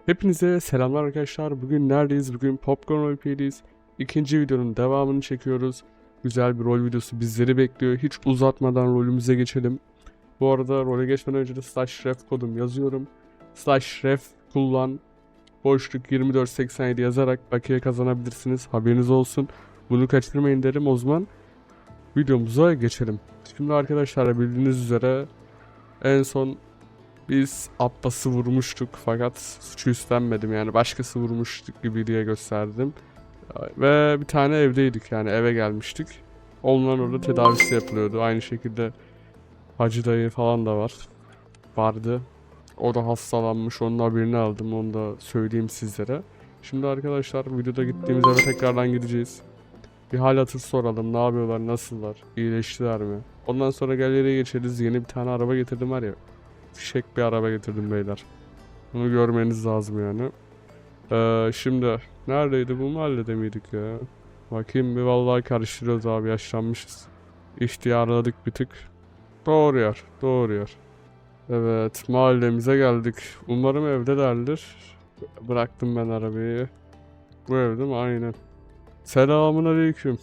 Hepinize selamlar arkadaşlar. Bugün neredeyiz? Bugün Popcorn Roleplay'deyiz. İkinci videonun devamını çekiyoruz. Güzel bir rol videosu bizleri bekliyor. Hiç uzatmadan rolümüze geçelim. Bu arada role geçmeden önce de /ref kodum yazıyorum. /ref kullan boşluk 2487 yazarak bakiye kazanabilirsiniz. Haberiniz olsun. Bunu kaçırmayın derim. O zaman videomuza geçelim. Şimdi arkadaşlar bildiğiniz üzere en son biz Abbas'ı vurmuştuk fakat suçu üstlenmedim, yani başkası vurmuştuk gibi diye gösterdim. Ve bir tane evdeydik, yani eve gelmiştik. Onların orada tedavisi yapılıyordu. Aynı şekilde Hacı dayı falan da vardı. O da hastalanmış, onun haberini aldım, onu da söyleyeyim sizlere. Şimdi arkadaşlar videoda gittiğimiz eve tekrardan gideceğiz. Bir hal hatır soralım, ne yapıyorlar, nasıllar, iyileştiler mi? Ondan sonra galeriye geçeriz. Yeni bir tane araba getirdim var ya. Fişek bir araba getirdim beyler. Bunu görmeniz lazım yani. Şimdi neredeydi, bu mahallede miydik ya? Bakayım bir, vallahi karıştırıyoruz abi, yaşlanmışız. İhtiyarladık bir tık. Doğru yer, doğru yer. Evet, mahallemize geldik. Umarım evdelerdir. Bıraktım ben arabayı. Bu evde mi? Aynen. Selamun aleyküm.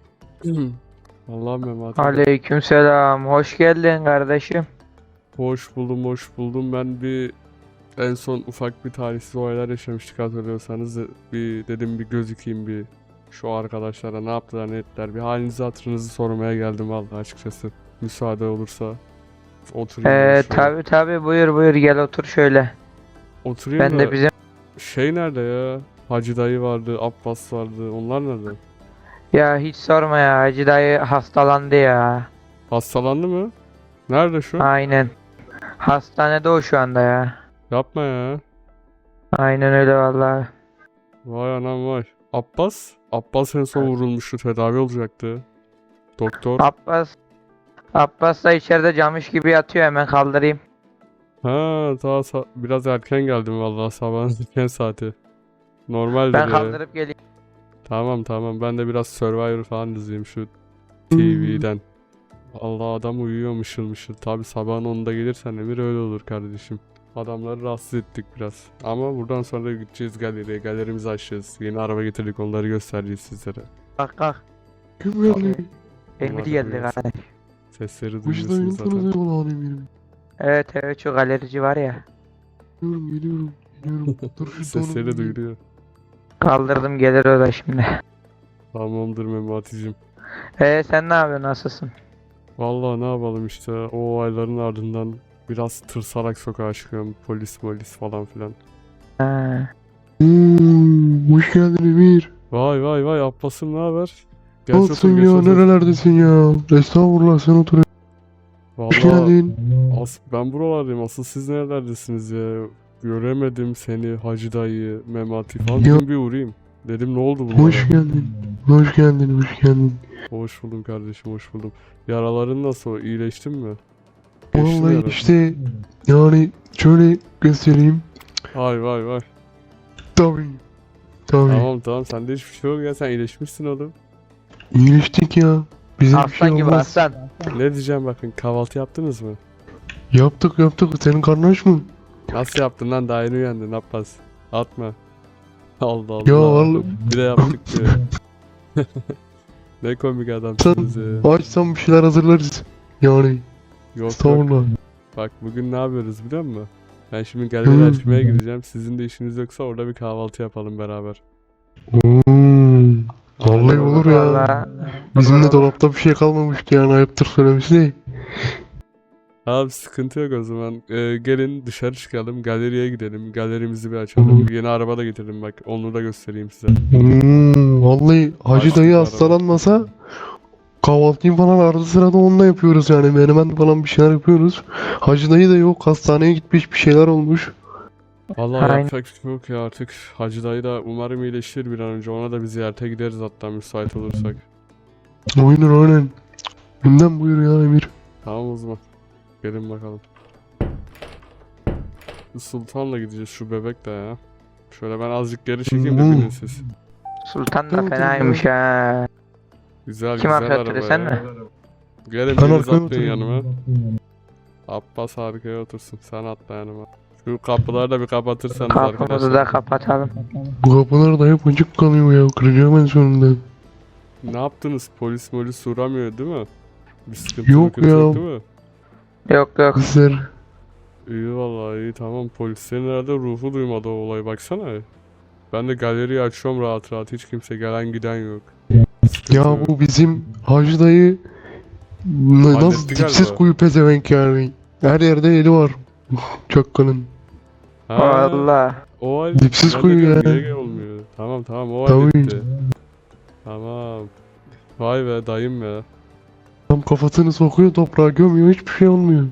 Allah'ım Mehmet. Aleykümselam. Hoş geldin kardeşim. Hoş buldum, hoş buldum. En son ufak bir talihsiz olaylar yaşamıştık, hatırlıyorsanız. Bir dedim bir gözükeyim, bir şu arkadaşlara ne yaptılar ne ettiler. Bir halinizi hatırınızı sormaya geldim vallahi, açıkçası. Müsaade olursa oturayım ben şöyle. Tabi buyur buyur gel otur şöyle. Oturayım Ben de da bizim şey nerede ya? Hacı dayı vardı, Abbas vardı. Onlar nerede? ya hiç sorma ya Hacı dayı hastalandı ya. Hastalandı mı? Nerede şu? Aynen. Hastanede o şu anda ya. Yapma ya. Aynen öyle vallahi. Vay anam vay. Abbas? Abbas en son vurulmuştu, tedavi olacaktı. Doktor. Abbas Abbas da içeride camış gibi yatıyor, hemen kaldırayım. Ha, daha biraz erken geldim vallahi, sabahın erken saati. Normaldir Ben ya. kaldırıp geleyim. Tamam tamam, ben de biraz Survivor falan izleyeyim şu TV'den. Allah, adam uyuyor mışıl mışıl. Tabi sabahın 10'da gelirsen Emir öyle olur kardeşim. Adamları rahatsız ettik biraz. Ama buradan sonra da gideceğiz galeriye. Galerimizi açacağız. Yeni araba getirdik, onları göstereceğiz sizlere. Kalk kalk. Kim geldi? Emir Bunlar geldi duyuyorsun. kardeş. Sesleri Hoş duyuyorsunuz dayının zaten. tanıdığı olan eminim. Evet şu galerici var ya. Geliyorum. Dur şu Sesleri tanıdığı. duyuluyor. Kaldırdım, gelir o da şimdi. Tamamdır Memati'cim. Sen ne yapıyorsun, nasılsın? Vallahi ne yapalım işte, o olayların ardından biraz tırsarak sokağa çıkıyorum. Polis falan filan. Ha. Hoş geldin Emir. Vay vay vay, Abbas'ım ne haber? Geç Nasılsın otur, geç ya? otur. Nerelerdesin ya? Estağfurullah, sen otur. Hoş Vallahi geldin. ben buralardayım. Asıl siz nerelerdesiniz ya? Göremedim seni, Hacı dayı, Memati falan. Ya. Dedim bir uğrayayım. Dedim ne oldu bunlara? Hoş geldin. Hoş geldin. Hoş geldin. Hoş buldum kardeşim, hoş buldum. Yaraların nasıl? İyileştin mi? Geçti mi Vallahi yara? işte yani şöyle göstereyim. Vay vay vay. Tabii. Tamam tamam, sende hiçbir şey yok ya, sen iyileşmişsin oğlum. İyileştik ya. Bize bir şey Aslan gibi olmaz. aslan. Ne diyeceğim, bakın, kahvaltı yaptınız mı? Yaptık. Senin karnın aç mı? Nasıl yaptın lan, daha yeni uyandın Abbas. Atma. Allah Ya Allah. vallahi Bir de yaptık diyor. Ne komik adamsınız ya. açsam bir şeyler hazırlarız. Yani. Yok yok. Estağfurullah. Bak bugün ne yapıyoruz biliyor musun? Ben şimdi galeri açmaya gideceğim. Sizin de işiniz yoksa orada bir kahvaltı yapalım beraber. Vallahi olur ya. Vallahi. Bizim de dolapta bir şey kalmamıştı yani, ayıptır söylemesi de. Abi sıkıntı yok o zaman. Gelin dışarı çıkalım. Galeriye gidelim. Galerimizi bir açalım. Yeni araba da getirdim bak. Onu da göstereyim size. Vallahi Hacı Açtık dayı araba. hastalanmasa kahvaltıyı falan arada sırada onunla yapıyoruz yani, menemen falan bir şeyler yapıyoruz. Hacı dayı da yok, hastaneye gitmiş, bir şeyler olmuş. Vallahi Aynen. yapacak bir şey yok ya artık. Hacı dayı da umarım iyileşir bir an önce. Ona da bir ziyarete gideriz hatta, müsait olursak. Aynen. Günden buyur ya Emir. Tamam o zaman. Gelin bakalım. Sultan'la gideceğiz, şu bebek de ya. Şöyle ben azıcık geri çekeyim de binin siz. Sultan da Tamam, fenaymış ha. Güzel Kim güzel arkaya araba sen ya. mi? Gelin Ben biriniz arkaya atlayın oturayım. yanıma. Abbas arkaya otursun. Sen atla yanıma. Şu kapıları da bir kapatırsanız Kapımızı arkadaşlar. da kapatalım. Bu kapılar da hep açık kalıyor ya. Kıracağım en sonunda. Ne yaptınız? Polis uğramıyor değil mi? Bir sıkıntı Yok mıkıntı ya. yok değil mi? Yok yok. Bizler İyi vallahi iyi tamam. Polislerin herhalde ruhu duymadı o olayı baksana. Ben de galeriyi açıyorum rahat rahat. Hiç kimse gelen giden yok. Sıkıntı ya yok. bu bizim Hacı dayı nasıl Halletti dipsiz galiba. kuyu pezevenk yani. Her yerde eli var. Çakkanın. Ha, Valla. o halde Dipsiz ben de kuyu diyorum, ya. niye olmuyor? Tamam o Tabii. halletti. Tamam. Vay be dayım ya. Tam kafasını sokuyor toprağa gömüyor hiçbir şey olmuyor.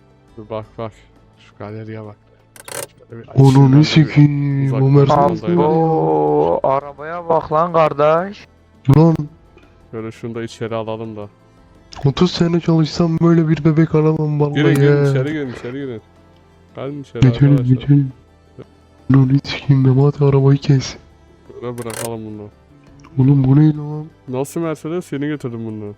Bak. Şu galeriye bak. Şöyle bir açayım Onu ben de ne bir. sikiyim. Uzaktan O Mercedes kumandayla. var ya. Oo, arabaya bak lan kardeş. Ulan Şöyle şunu da içeri alalım da. 30 sene çalışsam böyle bir bebek alamam vallahi Girin ya. içeri girin. Gelin içeri Geçelim arkadaşlar. geçelim. Onu ne sikiyim Memati arabayı kes. Böyle bırakalım bunu. Oğlum bu ne lan? Nasıl Mercedes? Yeni getirdim bunu.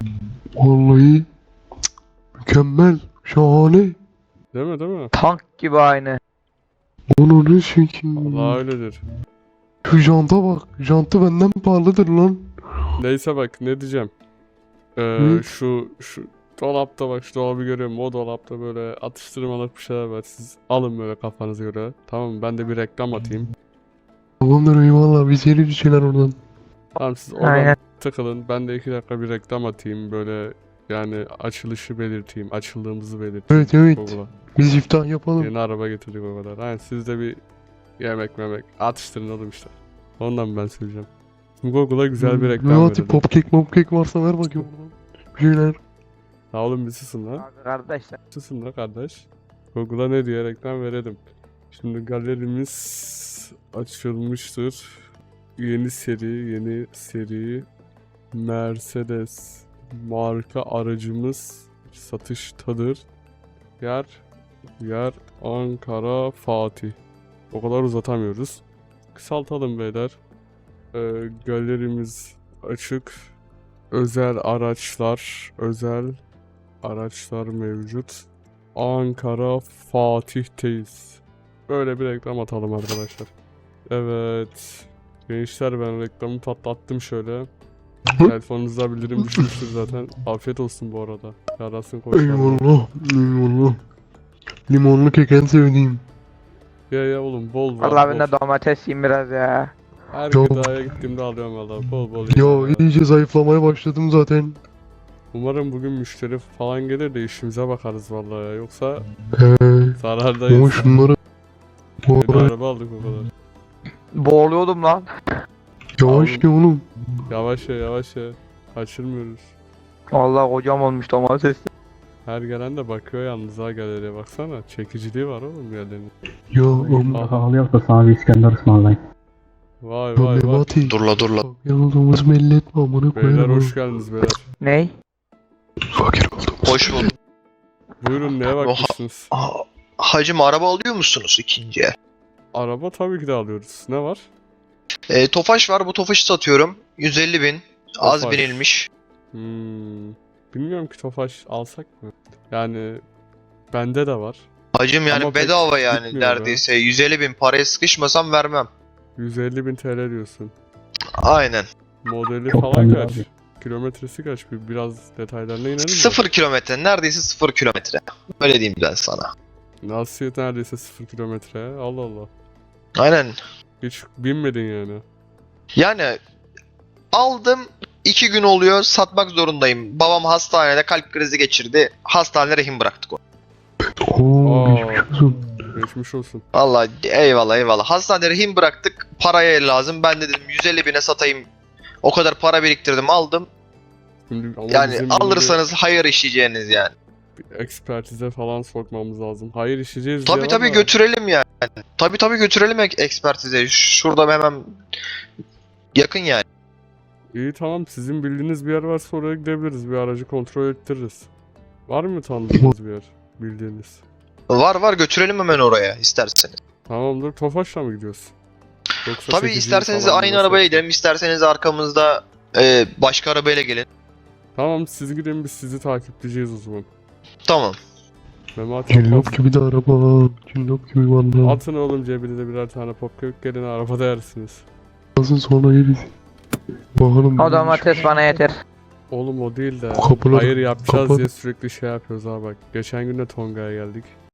Vallahi mükemmel. Şahane. Değil mi? Tank gibi aynı. Onu ne sikiyim. Allah öyledir. Şu janta bak. Jantı benden pahalıdır lan. Neyse bak ne diyeceğim. Hı? Şu dolapta bak şu dolabı görüyorum. O dolapta böyle atıştırmalık bir şeyler var. Siz alın böyle kafanıza göre. Tamam mı? Ben de bir reklam atayım. Tamamdır eyvallah biz yeriz bir şeyler oradan. Tamam siz oradan Aynen. takılın. Ben de 2 dakika bir reklam atayım. Böyle yani açılışı belirteyim. Açıldığımızı belirteyim. Evet. Google'a. Biz iftah yapalım. Yeni araba getirdik o kadar. Aynen siz de bir yemek memek atıştırın oğlum işte. Ondan ben söyleyeceğim. Şimdi Google'a güzel bir reklam Memati verelim. popkek varsa ver bakayım oradan. Bir şeyler. Ha oğlum bir susun lan. Kardeşler. Susun lan kardeş. Google'a ne diye reklam verelim. Şimdi galerimiz açılmıştır. Yeni seri Mercedes marka aracımız satıştadır. Yer Ankara Fatih. O kadar uzatamıyoruz. Kısaltalım beyler. Galerimiz açık. Özel araçlar mevcut. Ankara Fatih'teyiz. Böyle bir reklam atalım arkadaşlar. Evet. Gençler ben reklamı patlattım şöyle. Telefonunuzda bildirim düşmüştür zaten. Afiyet olsun bu arada. Yarasın koçlarım. Eyvallah. Limonlu kek en sevdiğim. Ya oğlum bol var Vallahi ben bol. de domates yiyeyim biraz ya. Her Yok. gıdaya gittiğimde alıyorum valla bol Ya ya. iyice zayıflamaya başladım zaten. Umarım bugün müşteri falan gelir de işimize bakarız vallahi ya. Yoksa Ama zarardayız. şunları bu Yeni ara araba aldık o kadar. Boğuluyordum lan. yavaş ki oğlum. Yavaş ya. Kaçırmıyoruz. Vallahi kocam olmuş domates. Her gelen de bakıyor yalnız ha galeriye baksana. Çekiciliği var oğlum yerlerinin. Ya oğlum. Aha. Pahalıysa sana bir İskender ısmarlayayım. Vay Ya vay. Memati. Dur la. Bak yalnız belli etme amına Beyler koyarım. hoş geldiniz beyler. Ney? Fakir oldum. Hoş bulduk. Buyurun neye bakmışsınız? Hacım araba alıyor musunuz ikinci el? Araba tabii ki de alıyoruz. Ne var? Tofaş var, bu Tofaş'ı satıyorum. 150.000. Az Tofaş. binilmiş. Bilmiyorum ki Tofaş alsak mı? Yani bende de var. Hacım yani Ama pek bedava yani gitmiyor be. neredeyse. 150.000 paraya sıkışmasam vermem. 150.000 TL diyorsun. Aynen. Modeli Çok falan bence kaç? abi. Kilometresi kaç? Biraz detaylarına inelim mi? 0 kilometre. Neredeyse 0 kilometre. Öyle diyeyim ben sana. Nasıl neredeyse 0 kilometre? Allah Allah. Aynen. Hiç binmedin yani. Yani aldım. 2 gün oluyor. Satmak zorundayım. Babam hastanede kalp krizi geçirdi. Hastanede rehin bıraktık onu. Oo Aa. geçmiş olsun. Geçmiş olsun. Vallahi eyvallah. Hastanede rehin bıraktık. Paraya lazım. Ben de dedim 150.000'e satayım. O kadar para biriktirdim aldım. Şimdi ama Yani bizim bunu alırsanız hayır işleyeceğiniz yani. bir ekspertize falan sokmamız lazım. Hayır işleyeceğiz diye Tabii ama götürelim yani. Tabii götürelim ekspertize. Şurada hemen yakın yani. İyi tamam sizin bildiğiniz bir yer varsa oraya gidebiliriz. Bir aracı kontrol ettiririz. Var mı tanıdığınız bir yer? Bildiğiniz. Var götürelim hemen oraya isterseniz. Tamamdır. Tofaş'la mı gidiyoruz? Yoksa Tabii çekiciyi isterseniz falan mı aynı nasıl arabaya yapacağız? gidelim, isterseniz arkamızda başka arabayla gelin. Tamam siz gidin biz sizi takipleyeceğiz o zaman. Tamam. Memati Cillop gibi de araba. Cillop gibi valla. atın oğlum cebinize birer tane popkek gelin arabada yersiniz. Nasıl sonra yeriz. Bakalım. O domates bana yeter. Oğlum o değil de Kapılar- hayır yapacağız kapat. diye sürekli şey yapıyoruz abi bak. Geçen gün de Tonga'ya geldik.